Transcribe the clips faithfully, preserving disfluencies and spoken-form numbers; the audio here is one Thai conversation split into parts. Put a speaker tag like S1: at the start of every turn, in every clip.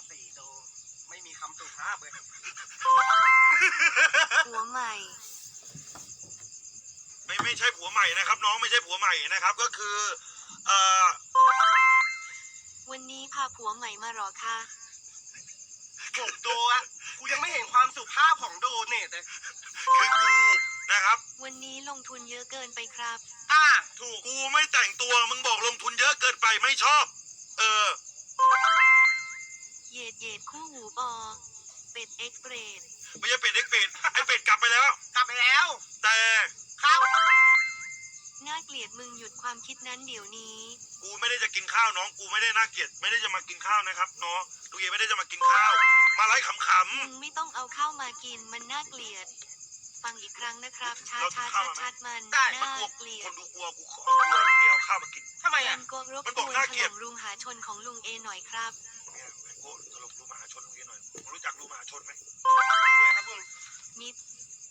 S1: สีดูไม่มีคำสุภาพเลย
S2: หัวใหม่
S3: ไม่ไม่ใช่ผัวใหม่นะครับ น้องไม่ใช่ผัวใหม่นะครับ ก็คือเอ่อ
S2: วันนี้พาผัวใหม่มาหรอคะ
S1: ผมดูอะกูยังไม่เห็นความสุภาพของโดเนทเลย
S3: คือกูนะครับ
S2: วันนี้ลงทุนเยอะเกินไปครับ
S1: อ่าถูก
S3: กูไม่แต่งตัวมึงบอกลงทุนเยอะเกินไปไม่ชอบ เออ
S2: เหยดเหยดคู่หูบอเป็ดเอ็กซ์เรด
S3: ไม่ใช่เป็ดเอ็กเป็ดไอเป็ดกลับไปแล้ว
S1: กลับไปแล้ว
S3: แต่
S1: ครับ
S2: น่าเกลียดมึงหยุดความคิดนั้นเดี๋ยวนี้
S3: กูไม่ได้จะกินข้าวน้องกูไม่ได้น่าเกลียดไม่ได้จะมากินข้าวนะครับน้องลูกเอไม่ได้จะมากินข้าว มาไล่ขำ
S2: มึงไม่ต้องเอาข้าวมากินมันน่าเกลียด ฟังอีกครั้งนะครับช้าช้าชัดชัดมัน
S3: ๆ
S2: น่า
S3: มันกลัว
S2: เกลีย
S3: ค
S2: ด
S3: นดูกลัวกูขอกลัวลูกเอเอาข้าวมากิน
S1: ทำไม
S2: แว
S1: อ่ะ
S2: นโกะรบ
S3: มัน
S2: ก
S3: บอก
S2: วน
S3: น่า
S2: ถ
S3: เกลียด
S2: ล่มรุงหาชนของลุงเอหน่อยครับ
S3: เนี่ยแวนโก้ตลกรูมหาชนลูกเอหน่อยมึงรู้จักรูมหาชนไหม
S1: ดูเลยครับลุง
S2: มิด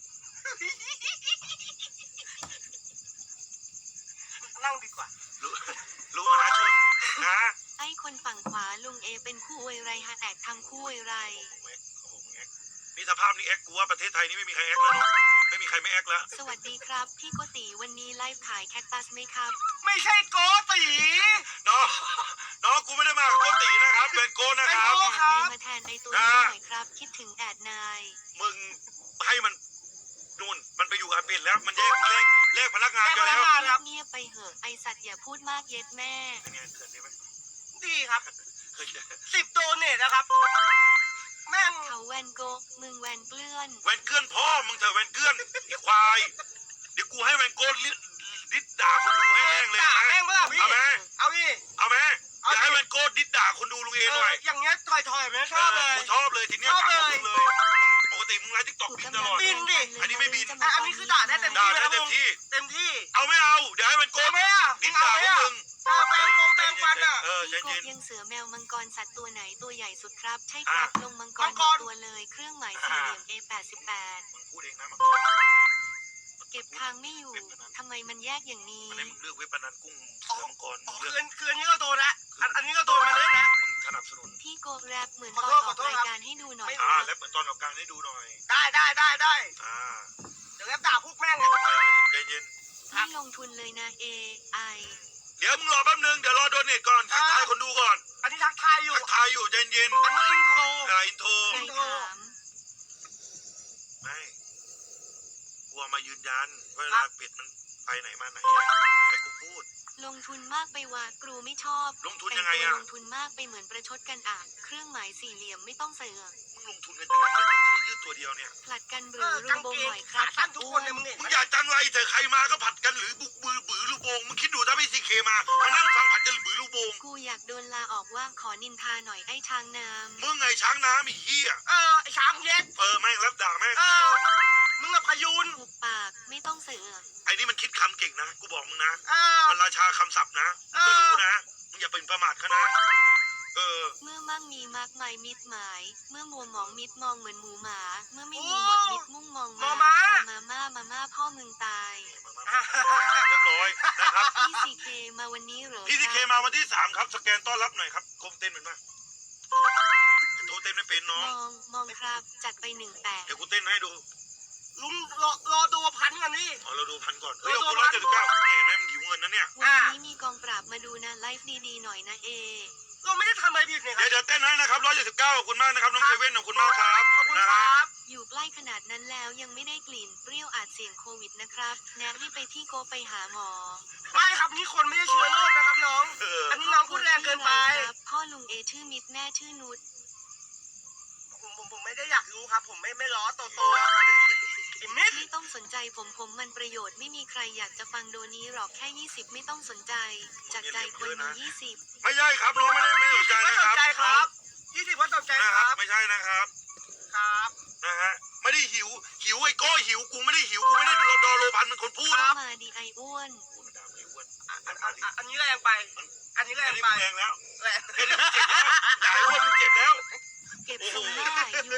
S1: นั่งดีกว่า
S3: รู้รูมหาชนนะ
S2: ไอ้คนฝั่งขวาลุงเอเป็นคู่อวยไรฮะแอกทำคู่อวยไร
S3: แอ็กโอ้โหมึงแอ็กนี่สภาพนี้แอ็กกูว่าประเทศไทยนี่ไม่มีใครแอ็กแล้วเนาะไม่มีใครไม่แอ็กแล้ว
S2: สวัสดีครับ พี่โกติวันนี้ไลฟ์ขายแคคตัสไหมครับ
S1: ไม่ใช่โกตี
S3: น้องน้องกูไม่ได้มากับโกตินะครับเป็นโกนะครับ
S1: เป็นโก้
S2: แอดนายมาแทนไอตัวนี้หน่อยครับ คิดถึงแอดนาย
S3: มึงให้มันนู่นมันไปอยู่อาเป็นแล้วมันแยกเลขเลขพนักงานกันแล้ว
S2: เงียบๆไปเหอะไอสัตว์อย่าพูดมากเย็ดแม่
S3: เป็นไงเกิดได้ไหม
S1: ดีครับ
S3: เคยเจอ
S1: สิบโดเนทนะครับ แม่ง
S2: เขาแวนโกะมึงแวนเกลื่อน
S3: แวนเกื้อนพ่อมึงเถอะแวนเกื้อนไอ้ควายเดี๋ยวกูให้แวนโกลิดิดด่าคนดูให้แห้งเลย
S1: ด่า
S3: นะ
S1: แม่งเมื่อพี่
S3: เอาไหม
S1: เอาพี่
S3: เอาไหม
S1: เอา
S3: อยากให้แวนโกดิดด่าคนดูลุงเอ
S1: เอ
S3: หน่
S1: อ
S3: อย
S1: อย่างเงี้ยถอยๆไม่ชอบเลย
S3: กูชอบเลยทีเนี้ย
S1: ชอบเลย
S3: ด่ามึงเลยมึงปกติมึงไลฟ์ทิกตอก
S2: ถูก
S3: บิน
S2: กำ
S3: ต
S2: ลั
S3: ลอด
S1: บินดิ
S3: อันนี้ไม่บิน
S1: อ่ะอันนี้คือด่าได้เต็ม
S3: ด่า
S1: ที่
S3: ได้
S1: นะครับ
S3: เต็
S1: ลุ
S3: ม
S1: ง
S3: ที่
S1: เต็มที่
S3: เอาไม่เอาเดี๋ยวให้แวนโก
S1: เอาไหมอ่ะ
S3: ดิด
S1: เอา
S3: ด่า
S1: ไหม
S3: พวก
S1: อ่ะ
S3: มึง
S1: เออแปลงฟงแปลงฟันอ่ะ
S3: เออใจ
S2: พี่ก
S3: เย็
S2: บ
S3: น
S2: ยังเสือแมวมังกรสัตว์ตัวไหนตัวใหญ่สุดครับ ใช่ครับ
S3: อ่ะ
S2: ลงมังก
S1: มั
S2: รง
S1: กร
S2: ตัวเลย เครื่องหมายสี่เหลี่ยม เอ แปดสิบแปด
S3: มึงพูดเองนะมัน
S2: เก็บทางไม่อยู่ทำไมมันแยกอย่างนี้
S3: มันให้มึงเลือกเว็บพนันกุ้งเสือมังกร
S1: อ๋อ
S3: มึง
S1: คื
S3: เลือก
S1: นคืนนี้ก็โดนละอันอันนี้ก็โดนมาเลยนะ
S3: มึงสนับสนุน
S2: พี่โกแรปเหมือน
S1: ขอ
S2: ตอ
S1: โท
S2: น
S1: ษ
S2: อ
S1: ข
S2: อ
S1: อก โทษ
S2: ราย
S1: ครับ
S2: การให้ดูหน่อย
S3: อ่าแล้วเปิดตอนออกกลางให้ดูหน่อย
S1: ได้ได้ได้ได้
S3: อ่า
S1: เดี๋ยวแกด่าพวกแม่งอ่ะ
S3: เออใจเย็น
S2: ไม่ลงทุนเลยนะ เอไอ
S3: เดี๋ยวมึงรอแป๊บนึงเดี๋ยวรอโดเนทก่อนทักทายคนดูก่อน
S1: อันนี้ทักทายอยู่
S3: ทักทายอยู่ใจเย็น
S1: อันนี้อินโทร
S3: อ่าอินโทร
S2: ใครถาม
S3: ไม่กลัวมายืนยันเวลาเป็ดมันไปไหนมาไหนให้กูพูด
S2: ลงทุนมากไปว่ากรูไม่ชอบ
S3: ลงทุน
S2: แต่
S3: ยัง งไง
S2: ตัว
S3: อะ
S2: ลงทุนมากไปเหมือนประชดกันอ่ะเครื่องหมายสี่เหลี่ยมไม่ต้องเสือก
S3: มึงลงทุนกันยังไงแล้วแต่ชื่อยืดตัวเดียวเนี่ย
S2: ผลัดกันหรื
S1: เอ
S2: อ
S1: อ
S2: รู
S1: กาง
S2: โบ
S1: เกง
S2: หน่อยครับ
S1: ขาสั้นทุกคนเลยมึงเห็น
S3: มึ
S1: ไหม
S3: งอยากจังไรเถอะใครมาก็ผัดกันหรือบุกบือบือลูกโบงมึงคิดดูถ้าพี่ซีเคมามานั่งฟังผัดกันหรือบือลูกโบง
S2: กูอยากโดนลาออกว่าขอนินทาหน่อยไอ้ช้างน้
S3: มึงไงช้างน้ำอีกยี่อ่ะ
S1: เออไอ้ช้างเย็ด
S3: เออแม่งรับด่าแม่ง
S1: เออมึงอะพยูน
S2: ำหุบปากไม่ต้องเสือก
S3: ไอ้นี่มันคิดคำเก่งนะกูบอกมึงนะ
S1: เออ
S3: มันราชาคำศัพท์นะมึงก็รู้นะมึงอย่าเป็นประมาทเขานะเออ
S2: เมื่อมั่งมีมากมายมิดหมาย เมื่อมัวหมองมิดมองเหมือนหมูหมา เมื่อไม่มีหมดมิดมุ่งมองมามามาม่ามาม่าพ่อมึงตาย
S3: เรียบร้อยนะครับ
S2: พี่ซีเคมาวันนี้เหรอ
S3: พี่ซีเคมาวันที่สามครับสแกนต้อนรับหน่อยครับโกงเต้นเป็นปะโทรเต้นไม่เป็นน้
S2: ม
S3: อง
S2: องมองครับ จัดไปหนึ่งแปด
S3: เดี๋ยวกูเต้นให้ดู
S1: ลุงรอรอดูพันกันนี่
S3: เอาเราดูพันก่อนเฮ้ยเอากูร้อยเจ็ดสิบเก้าเนี่ยเห็นไหมมันหิวเงินนะเนี่ย
S2: วันนี้มีกองปราบมาดูนะไลฟ์ดีๆหน่อยนะเอ
S1: เราไม่ได้ทำอะไรผิดเนี่ยค
S3: เดี๋
S1: รั
S3: ยว
S1: บ
S3: เดี๋ยวเต้นให้นะครับร้อยเจ็ดสิบเก้าขอบคุณมากนะครับน้องเซเว่นขอบคุณมากครับ
S1: ขอบคุณ
S3: นะ
S1: ค
S3: ฮะ
S1: รับ
S2: อยู่ใกล้ขนาดนั้นแล้วยังไม่ได้กลิ่นเปรี้ยวอาจเสี่ยงโควิดนะครับแนะให้ไปพี่โกไปหาหมอ
S1: ไม่ครับนี่คนไม่ได้เชื้อโรคนะครับน้อง
S3: เออ
S1: อันนี้น้องพูดแรงเกินไป
S2: ครับพ่อลุงเอชื่อมิดแม่ชื่อนุช
S1: ผมผมผมไม่ได้อยากรู้ครับ ผมไม่ไม่ล้อโตโตแล้วครับไอ้มิด
S2: ไม่ต้องสนใจผมผมมันประโยชน์ไม่มีใครอยากจะฟังโดนี้หรอกแค่ยี่สิบไม่ต้องสนใจ จากใจคนมียี่สิบ
S3: ไม่ใช่ครับน้องไม่ได้ไม่ส
S1: ยี่
S3: น
S1: สิ
S3: ใจ
S1: บว่า
S3: นะ
S1: ส
S3: คน รับ
S1: ใจครับยี่สิบว่าสนใจ
S3: นะ
S1: ค
S3: ครั
S1: รั
S3: บบ ไม่ใช่นะครับ
S1: ครับ
S3: นะฮะไม่ได้หิวหิวไอ้โก้หิวกูไม่ได้หิวกูไม่ได้ดูดอโลพันเป็นคนพูด
S2: เข้ามาดีไออ้วน
S3: กูมันด่าไม่อ้วน
S1: อันอันอันอันนี้แรงไป อันนี้แร
S3: อัน
S1: ง
S3: นี้
S1: ไป
S3: มึงแรงแล้ว
S1: แรง
S3: แค่นี้มึงเจ็บแล้วด่าไอ้อ้วนมึงเจ็บแล้ว
S2: เก็บทรงหน้าอยู่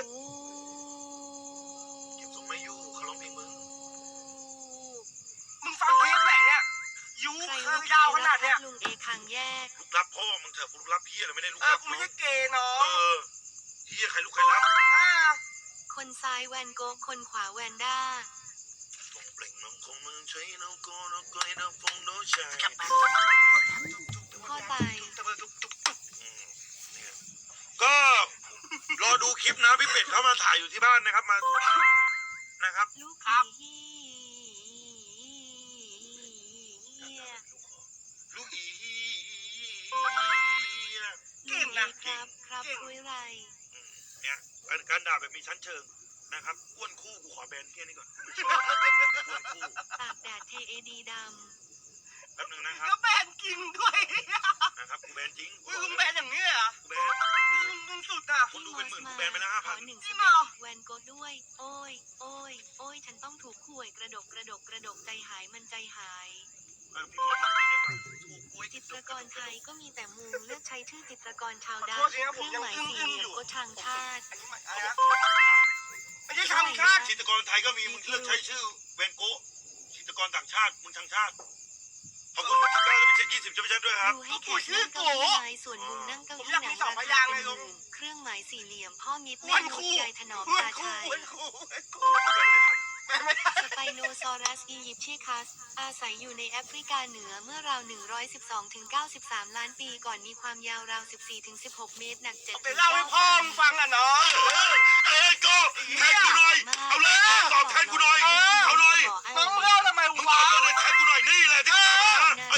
S3: เก็บทรงไม่อยู่เขาร้องเพลงมึง
S1: มึงฟังเพลงไหนเนี่ยยู
S2: ใคร
S1: คื
S2: รู้
S1: อ
S2: ใคร
S1: ยาวข
S2: รั
S1: นา
S2: บ
S1: ดเนี้ย
S2: ลุงเอคังแยก
S3: ลูกรับพ่อมึงเถอะกูลูกรับพี่อะไรไม่ได้ลูก
S1: เออ
S3: รับ
S1: กูไม่ใช่เกย์น้อ
S3: เอง อเฮียใครลุกใครรับ
S1: อ่า
S2: คนซ้ายแวนโกะคนขวาแวนด้า
S3: ตรงเปล่งน้องคงมึงใช้น้องโกน้องก้อยน้องฟงน้องชาย
S2: พ่อตาย
S3: อืมเนี่ยก็รอดูคลิปนะพี่เป็ดเขามาถ่ายอยู่ที่บ้านนะครับมานะครับ
S2: ลูก
S1: ครับ
S2: ผี
S3: ลูกอี
S1: เก่งนะ
S2: ครับครับ
S1: เก่ง
S2: คุยไร
S3: อืมเนี่ยการการด่าแบบมีชั้นเชิงนะครับอ้วนคู่กูขอแบนเที่ยนี่ก่อนไม่ชอบอ้วนคู่
S2: ตากแดดเทเอดีด
S3: แป๊บนึงนะครับ
S1: แล้วแบนกินด้วย
S3: นะครับกูแบนจริง
S1: อุ้ยลุงแบนอย่างนี้เลยเหรอ
S3: กูแบน
S1: ลุงลุงสุดอ่ะ
S2: ำ
S3: คนดู
S2: พี่
S3: เป็นหมื่น
S2: มอส
S3: กูแบนไปแล้ว
S2: ข
S3: ห้าพั
S2: อน หนึ่งส
S1: พี่
S2: เต็
S1: มอ
S2: ปแวนโกะด้วย โอ้ย โอ้ย โอ้ย ฉันต้องถูกข่วยกระดกกระดกกระดกใจหายมันใจหาย
S3: เออพี่มดมาคุยได้ไหมถูกกูไอ้
S2: จิตรกรไทยก็มีแต่มุงเลือกใช้ชื่อจิตรกรชาว
S1: ขอ
S2: ดา
S1: โทษทีนะ
S2: เค
S1: ผม
S2: รื่อง
S1: ยัง
S2: หมาย
S1: อึ้ง
S2: สี่
S1: อึ้ง
S2: เหลี่
S1: อย
S2: ม
S1: ยู่
S2: ก็ทางชาติ
S1: อันนี้อะไรนะไม่ใช่ทางชาติ
S3: จิตรกรไทยก็มีมึงเลือกใช้ชื่อเวนโกะจิตรกรต่างชาติมึงทางชาติขอบคุณพี่สิบเก้าจะไปเช็คยี่สิบจะไปเช็คด้วยครับ
S2: ดูให้แขกนั่งเก้าอี้ไม้ส่วนมุมนั่งเก้าอี้หนังราคาเป็นหมื่นเครื่องหมายสี่เหลี่ยมพ่อมิตร
S1: อ้
S2: แม่
S1: วน
S2: มด
S1: คู่
S2: ยายถนอม
S1: อ้วน
S2: ตา
S1: คู่
S2: ชัย
S1: อ้วนคู่อ้วนคู่
S3: กูแบนไม่ทัน
S1: แบนไม่ได้
S2: สไปโนซอรัสอียิปเชียคัส อาศัยอยู่ในแอฟริกาเหนือเมื่อราว หนึ่งร้อยสิบสองถึงเก้าสิบสาม ล้านปีก่อนมีความยาวราว สิบสี่ถึงสิบหก เมตร หนัก เจ็ด
S1: ไปเล่าให้พ่อมึงฟังอ่ะน้อง
S3: เออเอ้ยโก็แทนกูหน่อยเอาเลยตอบแทนกูหน่อยเอาเลย
S1: น้องเล่าทำไม
S3: มึงต
S1: วะ
S3: อบเลยแทนกูหน่อยนี่แหละที่กูตามมา